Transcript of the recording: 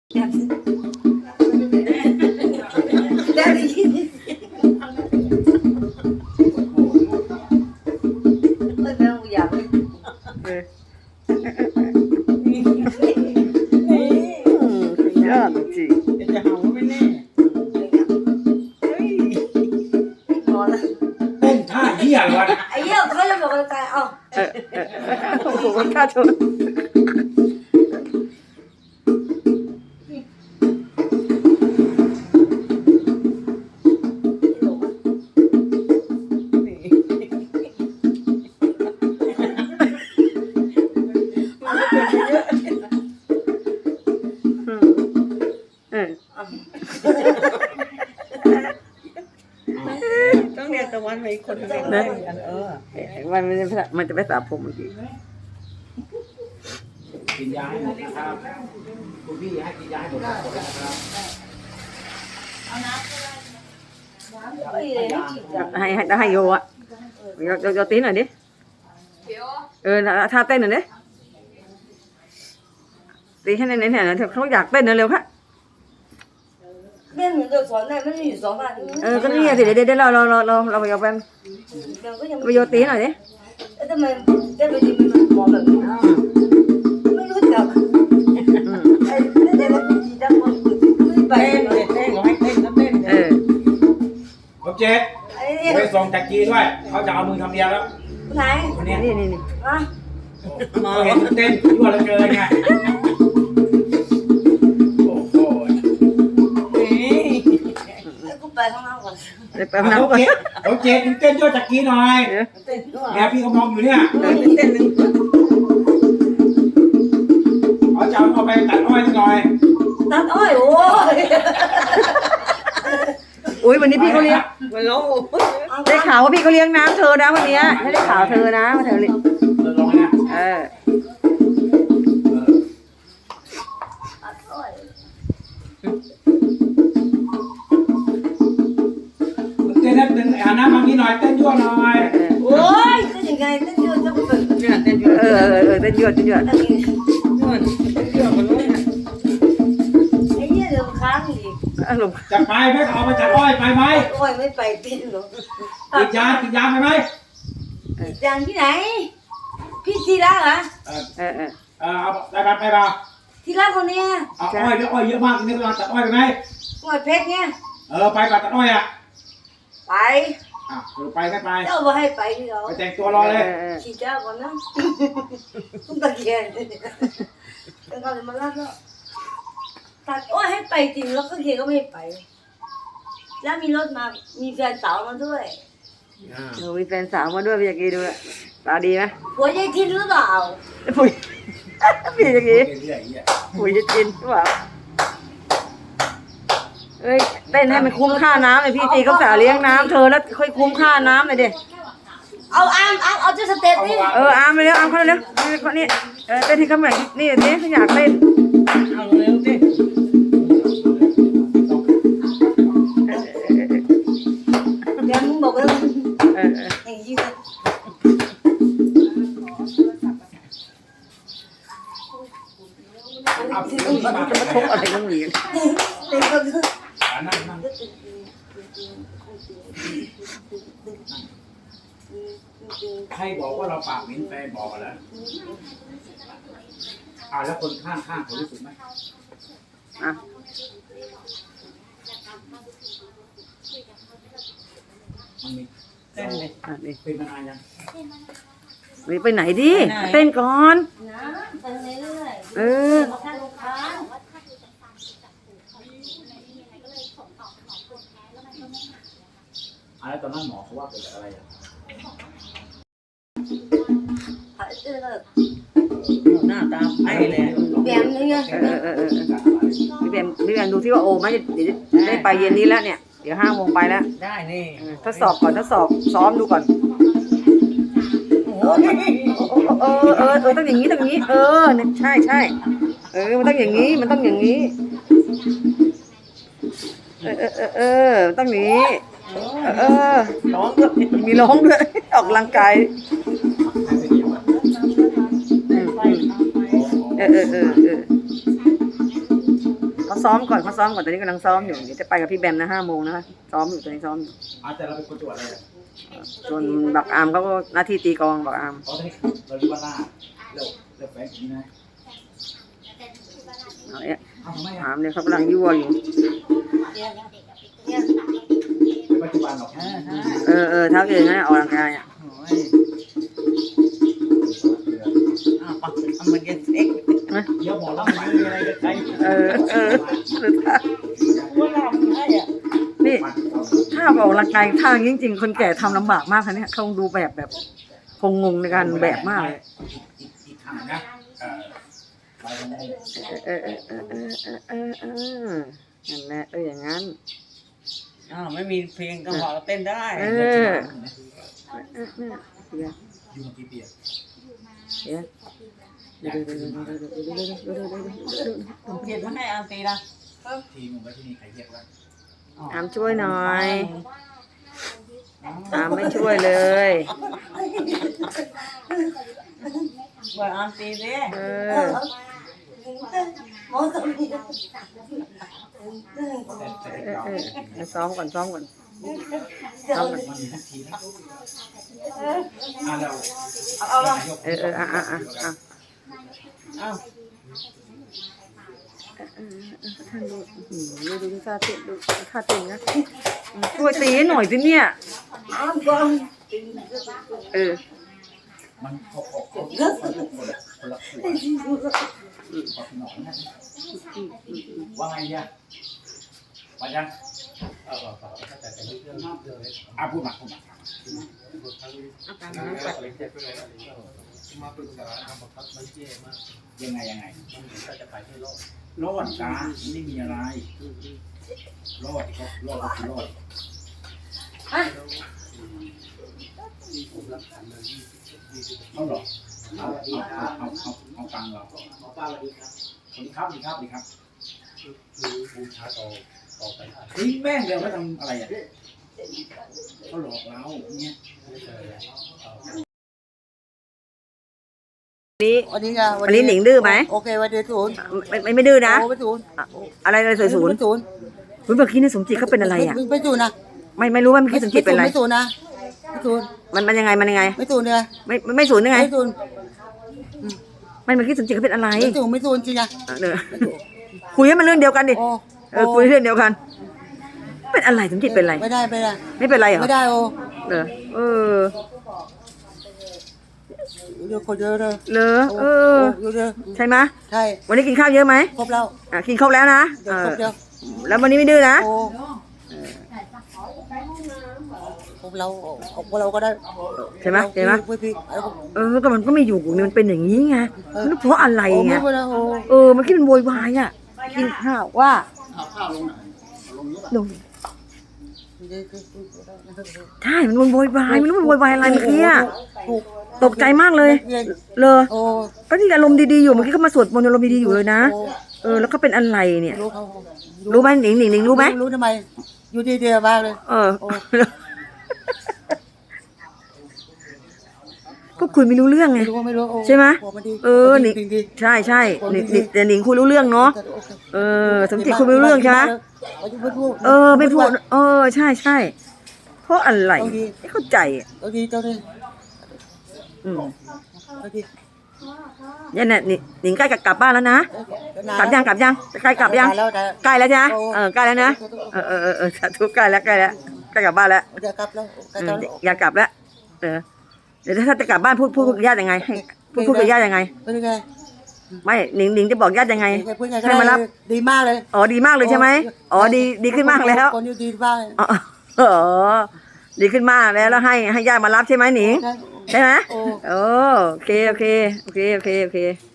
ได้ยินไม่เป็นอยากยอดจริงจะหาว่าไม่แน่นอนแล้วเต้นท่าเหี้ยอะไรวะไอ้เหี้ยเขาจะบอกกันเอ้าโอ้โหมันกล้าชนต้องเรียนตะวันไปคนเดียวนะมันจะไปสระผมเมื่อกี้กินยาให้หมดนะครับคุณพี่ให้กินยาให้หมดนะครับให้โยอ่ะโยตีหน่อยดิท่าเต้นหน่อยดิตีให้ในเนี่ยเขาอยากเต้นเร็วๆค่ะเรื่องหนูจะสอนได้ไม่ได้อยู่สองวันก็นี่สิเดี๋ยวเราไปเอาแปมไปโยตีหน่อยดิทำไมได้ไปดีมันมองแบบนี้ไม่รู้จักไอ้เด็กมันจีดังมันไม่ไปเต้นเขาให้เต้นก็เต้นผมเจ๊ไปส่งจากจีด้วยเขาจะเอามือทำเดียวแล้วไหนคนนี้นี่อ่ะเห็นเต้นยั่วเหลือเกินไงโอ้โหกูไปข้างนอกก่อนไปข้างนอกก่อนผมเจ๊เต้นยั่วจากจีหน่อยเนี่ยพี่เขามองอยู่เนี่ยเต้นหนึ่งเขาจะเอาไปตัดอ้อยหน่อยตัดอ้อยโอ้ยอุ้ยวันนี้พี่เขาเลี้ยงได้ข่าวว่าพี่เขาเลี้ยงน้ำเธอนะวันนี้ไม่ได้ข่าวเธอนะว่าเธอเลี้ยงลองนะเต้นเต้นน้ำบางทีหน่อยเต้นยั่วหน่อยโอ้ยเต้นยังไงเต้นยั่วจะเป็นเต้นยั่วเต้นยั่วไอ้เหี้ยเดี๋ยวค้างอีกจะไปไหมเอามาจากอ้อยไปไหมอ้อยไม่ไปติดหรอกกินยาไปไหมยางที่ไหนพี่ทีละเหรอเอาไปบ้าทีละคนเนี้ยเอาอ้อยเยอะมากนี่เราตัดอ้อยไปไหมอ้อยเพชรเนี่ยไปตัดอ้อยอ่ะไปไปไม่ไปเจ้าบอกให้ไปที่เราไปแต่งตัวรอเลยขี่เจ้าก่อนนะต้องตะเกียงแล้วก็จะมาลากแล้วตัดอ้อยให้ไปจริงแล้วก็เกียก็ไม่ไปแล้วมีรถมามีแฟนสาวมาด้วยมีแฟนสาวมาด้วยพี่ยากีดูตาดีไหมผัวยายทินหรือเปล่าพี่ยากีผัวยายทินหรือเปล่าเอ้ยเต้นให้มันคุ้มค่าน้ำเลยพี่จีเขาสาเลี้ยงน้ำเธอแล้วค่อยคุ้มค่าน้ำเลยดิเอาเอาเจ้าสเตปนี่อามไปเร็วเขาเร็วคนนี้เต้นให้เขาหน่อยนี่นี่เขาอยากเต้นเอาเร็วดิเดี๋ยวมึงบอกว่าอย่างนี้นะมันจะมาทุบอะไรกันอย่างนี้ใครบอกว่าเราปากเหม็นแฟนบอกกันแล้วแล้วคนข้างเขารู้สึกไหมมันมีเต้นเลยเป็นมานานยังไปไหนดิเต้นก่อนเต้นเรื่อยแล้วตอนนั้นหมอเขาว่าเป็นอะไรหน้าตาไอ้เลยแบมนี่ไงพี่แบมดูที่ว่าโอ้ไม่ได้ไปเย็นนี้แล้วเนี่ยเดี๋ยว5 โมงไปแล้วได้นี่ทดสอบก่อนทดสอบซ้อมดูก่อนต้องอย่างนี้ต้องอย่างนี้ใช่มันต้องอย่างนี้มันต้องอย่างนี้ต้องอย่างนี้ร้องด้วยมีร้องด้วยออกกำลังกายซ้อมก่อนตอนนี้กำลังซ้อมอยู่เดี๋ยวจะไปกับพี่แบมนะ5 โมงนะคะซ้อมอยู่ตอนนี้ซ้อมอยู่แต่เราเป็นคนจังหวัดอะไรอ่ะส่วนบักอามเขาก็หน้าที่ตีกลองบักอามตอนนี้เราเรียกว่าล่าเร็วแฟนนี้นะเอาเนี่ยทำไมอามเนี่ยเขากำลังยั่วอยู่ปัจจุบันหรอกเท้าเองนะออกกำลังกายอ่ะโอ้ยอ้าวปะทำเหมือนกันเอ็กเดี๋ยวหมอรับหมายมีอะไรกันใครว่าทำให้อ่ะนี่ถ้าออกกำลังกายท่าจริงๆคนแก่ทำลำบากมากค่ะเนี่ยเขาดูแบบคงงงในการแบบมากเลยอีกทางนะไปตรงนี้นั่นแหละอย่างนั้นอ้าวไม่มีเพลงก็พอเราเต้นได้อยู่มากี่ปีผมเขียนมาให้อาตีนะทีมึงไว้ที่นี่ใครเรียกว่าอามช่วยหน่อยอามไม่ช่วยเลยว่าอาตีดิซ้อมก่อนมันมีทักทีนะเราเอาละท่านดูท่าเต้นดูท่าเต้นนะช่วยตีให้หน่อยสิเนี่ยมันคนละว่าไงเนี่ยมาจังพูดมายังไงรอดจ้าไม่มีอะไรรอดก็รอดก็คือรอดเอาหรอเอาตังเราป้าสวัสดีครับดีครับบูชาต่อไปทิ้งแม่งเดี๋ยวเขาทำอะไรอ่ะเขาหลอกเราเนี่ยวันนี้ไงวันนี้หนิงดื้อไหมโอเควันเดียวศูนย์ไม่ดื้อนะโอ้ไม่ศูนย์อะไรเลยศูนย์ศูนย์คุณเมื่อกี้นี่สมจิตเขาเป็นอะไรอ่ะไม่ศูนย์นะไม่รู้ว่าเมื่อกี้สมจิตเป็นอะไรไม่ศูนย์นะไม่ศูนย์มันยังไงไม่ศูนย์เนี่ยไม่ศูนย์ยังไงไม่ศูนย์ไม่เมื่อกี้สมจิตเขาเป็นอะไรไม่ศูนย์จริงนะคุยให้มันเรื่องเดียวกันดิโอ้คุยเรื่องเดียวกัน เป็นอะไรสมจิตเป็นอะไรไม่ได้ไม่เป็นไรเหรอไม่ได้โอ้ เยอะคนเยอะเลยเหรอเยอะใช่ไหมใช่วันนี้กินข้าวเยอะไหมครบแล้วกินครบแล้วนะเดี๋ยวครบเดียวแล้ววันนี้ไม่ดื้อนะโอ้ครบเราก็ได้ใช่ไหมพี่ก็มันก็ไม่อยู่มันเป็นอย่างนี้ไงมันเพราะอะไรไงไม่ได้โอ้มันคิดมันโวยวายอ่ะกินข้าวว่าลงใช่มันโวยวายมันรู้มันโวยวายอะไรเมื่อกี้อ่ะตกใจมากเลยเลยก็ที่อารมณ์ดีๆอยู่เมื่อกี้เขามาสวดมนต์อารมณ์ดีๆอยู่เลยนะแล้วก็เป็นอะไรเนี่ยรู้ไหมหนิงรู้ไหมรู้ทำไมอยู่ดีๆบ้างเลยก็คุยไม่รู้เรื่องไงไม่รู้ใช่ไหมหนิงดีใช่แต่หนิงคุยรู้เรื่องเนาะสมจิตคุยไม่รู้เรื่องใช่ไหมไม่พูดใช่เพราะอะไรไม่เข้าใจดีเจ้าดิเนี่ยหนิงใกล้กลับบ้านแล้วนะกลับยังใกล้กลับยังใกล้แล้วใช่ไหมใกล้แล้วนะสาธุใกล้แล้วใกล้กลับบ้านแล้วอยากกลับแล้วอยากกลับแล้วเดี๋ยวถ้าจะกลับบ้านพูดกับญาติยังไงให้พูดกับญาติยังไงเป็นยังไงไม่หนิงจะบอกญาติยังไงให้มารับดีมากเลยดีมากเลยใช่ไหมดีขึ้นมากแล้วคนอยู่ดีมากเลยดีขึ้นมากแล้วให้ญาติมารับใช่ไหมหนิงใช่ไหมโอเค